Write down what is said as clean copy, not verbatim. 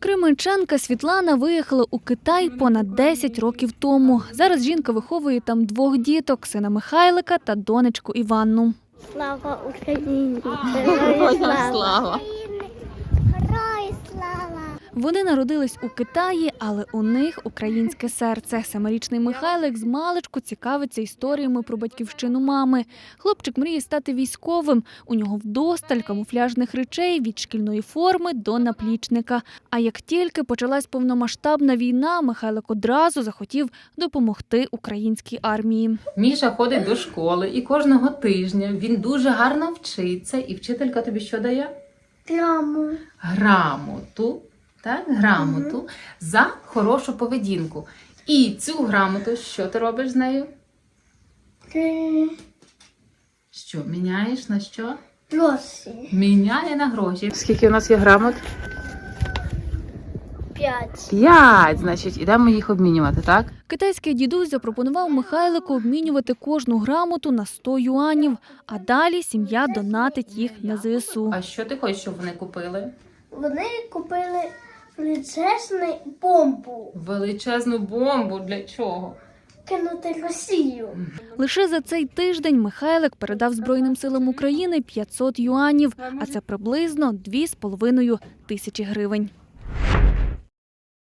Кременчанка Світлана виїхала у Китай понад 10 років тому. Зараз жінка виховує там 2 діток – сина Михайлика та донечку Іванну. Слава Україні! Слава! Герой слава! Вони народились у Китаї, але у них українське серце. 7-річний Михайлик змалечку цікавиться історіями про батьківщину мами. Хлопчик мріє стати військовим. У нього вдосталь камуфляжних речей від шкільної форми до наплічника. А як тільки почалась повномасштабна війна, Михайлик одразу захотів допомогти українській армії. Міша ходить до школи і кожного тижня він дуже гарно вчиться. І вчителька тобі що дає? Грамоту. Так, грамоту за хорошу поведінку. І цю грамоту, що ти робиш з нею? Що, міняєш на що? Гроші. Міняє на гроші. Скільки у нас є грамот? 5. 5, значить, ідемо їх обмінювати, так? Китайський дідусь запропонував Михайлику обмінювати кожну грамоту на 100 юанів, а далі сім'я донатить їх на ЗСУ. А що ти хочеш, щоб вони купили? Вони купили величезну бомбу. Величезну бомбу. Для чого? Кинути Росію. Лише за цей тиждень Михайлик передав Збройним силам України 500 юанів, а це приблизно 2,5 тисячі гривень.